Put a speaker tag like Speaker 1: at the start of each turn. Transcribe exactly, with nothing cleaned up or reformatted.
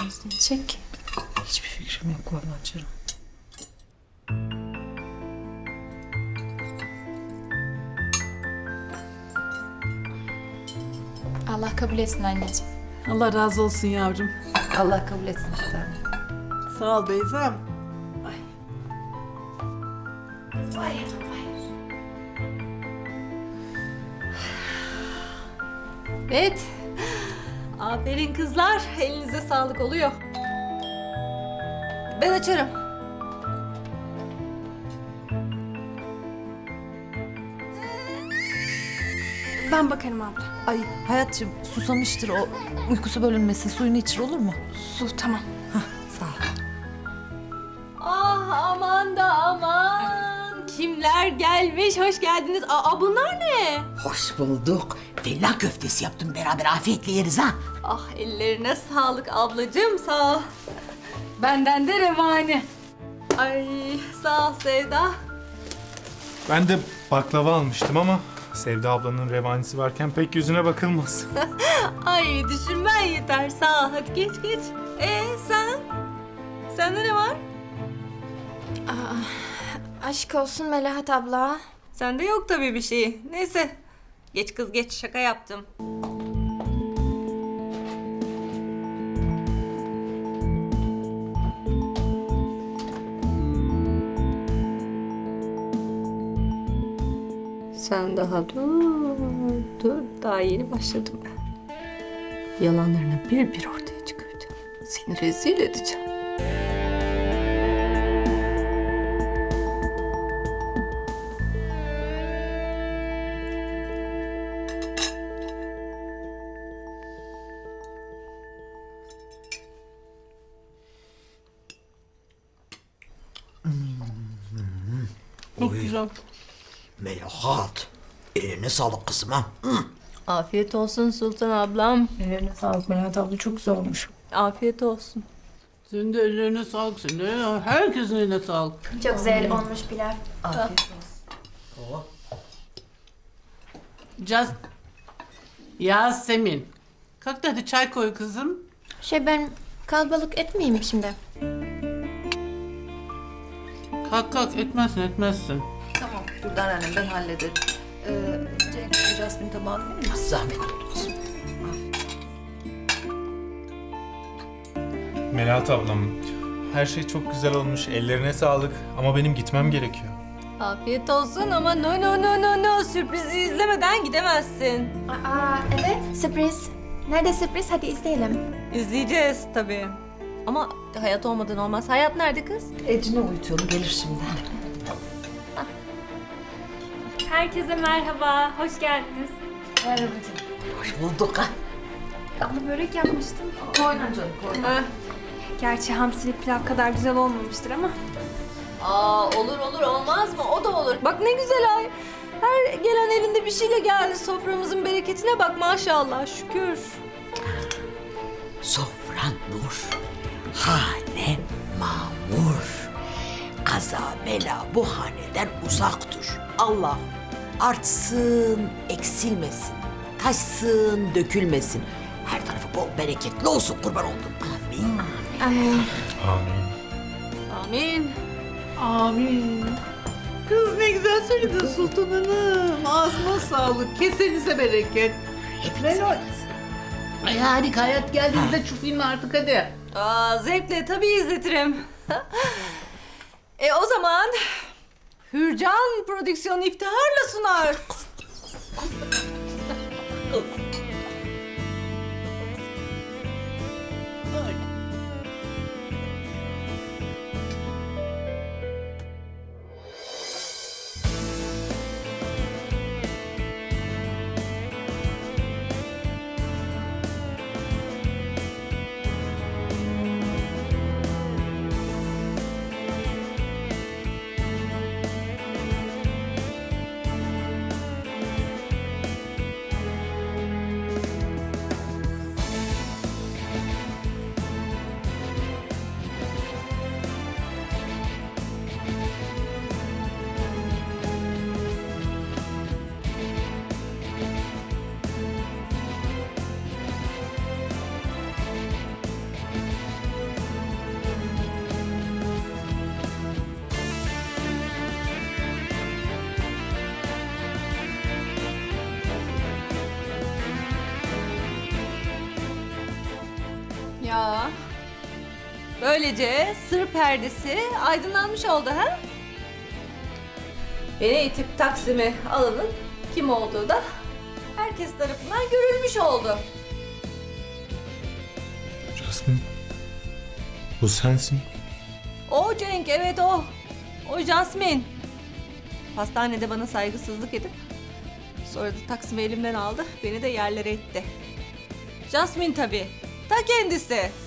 Speaker 1: Nasıl içecek ki?
Speaker 2: Hiçbir fikrim yok vallahi canım.
Speaker 1: Allah kabul etsin anneciğim.
Speaker 3: Allah razı olsun yavrum.
Speaker 2: Allah kabul etsin bir tane.
Speaker 3: Sağ ol Beyza'm.
Speaker 4: Evet. Aferin kızlar. Elinize sağlık oluyor. Ben açarım.
Speaker 1: Ben bakarım abla.
Speaker 2: Ay Hayatcığım susamıştır o. Uykusu bölünmesin. Suyunu içir olur mu?
Speaker 1: Su tamam.
Speaker 2: Sağ ol.
Speaker 4: Ah aman da aman. Kimler gelmiş? Hoş geldiniz. Aa bunlar ne?
Speaker 5: Hoş bulduk. Fellah köftesi yaptım, beraber afiyetle yeriz ha.
Speaker 4: Ah ellerine sağlık ablacığım. Sağ ol. Benden de revani. Ay sağ ol Sevda.
Speaker 6: Ben de baklava almıştım ama Sevda ablanın revanisi varken pek yüzüne bakılmaz.
Speaker 4: Ay düşünmen yeter. Sağ ol. Hadi geç geç. Ee sen? Sende ne var?
Speaker 1: Aşk olsun Melahat abla.
Speaker 4: Sende yok tabii bir şey. Neyse. Geç kız geç. Şaka yaptım. Sen daha dur. Dur. Daha yeni başladım ben. Yalanlarını bir bir ortaya çıkaracağım. Seni rezil edeceğim.
Speaker 3: Çok güzel.
Speaker 5: Melahat, eline sağlık kızım ha. Hı.
Speaker 4: Afiyet olsun Sultan ablam.
Speaker 2: Ellerine sağlık Melahat abla. Çok güzel olmuş.
Speaker 4: Afiyet olsun.
Speaker 3: Senin de ellerine sağlık. Senin de herkesin eline sağlık.
Speaker 1: Çok güzel olmuş Bilal.
Speaker 2: Afiyet olsun.
Speaker 3: Caz... Yasemin. Kalk da hadi çay koy kızım.
Speaker 1: Şey ben kalabalık etmeyeyim şimdi.
Speaker 3: Kalk kalk etmezsin etmezsin.
Speaker 2: Tamam. Dur annem ben hallederim. Ee, Cenk, Jasmine tabağını verir misin?
Speaker 5: Zahmet oldu kızım.
Speaker 6: Melahat ablam, her şey çok güzel olmuş. Ellerine sağlık ama benim gitmem gerekiyor.
Speaker 4: Afiyet olsun ama no no no no no sürprizi izlemeden gidemezsin.
Speaker 1: Aa evet. Sürpriz. Nerede sürpriz? Hadi izleyelim.
Speaker 4: İzleyeceğiz tabii. Ama hayat olmadan olmaz. Hayat nerede kız?
Speaker 2: Ecine uyutuyorum. Gelir şimdi.
Speaker 7: Herkese merhaba, hoş geldiniz.
Speaker 2: Merhaba canım.
Speaker 5: Hoş bulduk ha.
Speaker 7: Abla börek yapmıştım.
Speaker 2: Koyun canım koyun.
Speaker 4: Ha.
Speaker 7: Gerçi hamsili pilav kadar güzel olmamıştır ama.
Speaker 4: Aa olur olur olmaz mı? O da olur. Bak ne güzel ay. Her gelen elinde bir şeyle geldi. Soframızın bereketine bak maşallah şükür.
Speaker 5: Sofran nur, hane mamur. Kaza bela bu haneden uzak dur. Allah artsın, eksilmesin, taşsın, dökülmesin. Her tarafı bol bereketli olsun, kurban oldum. Amin.
Speaker 1: Amin.
Speaker 6: Amin.
Speaker 4: Amin.
Speaker 3: Amin. Kız ne güzel söyledin Sultan Hanım. Ağzına sağlık. Kesenize bereket. Melahat. Ay harika. Hayat geldiğinizde şu filmi artık hadi.
Speaker 4: Aa, zevkle tabii izletirim. e o zaman Hürcan prodüksiyonu iftiharla sunar. Ya. Böylece sır perdesi aydınlanmış oldu ha? Beni itip Taksim'e alanın kim olduğu da herkes tarafından görülmüş oldu.
Speaker 6: Jasmine. Bu sensin.
Speaker 4: O Cenk, evet o. O Jasmine. Hastanede bana saygısızlık edip sonra da Taksim'i elimden aldı. Beni de yerlere itti. Jasmine tabii. Ta kendisi.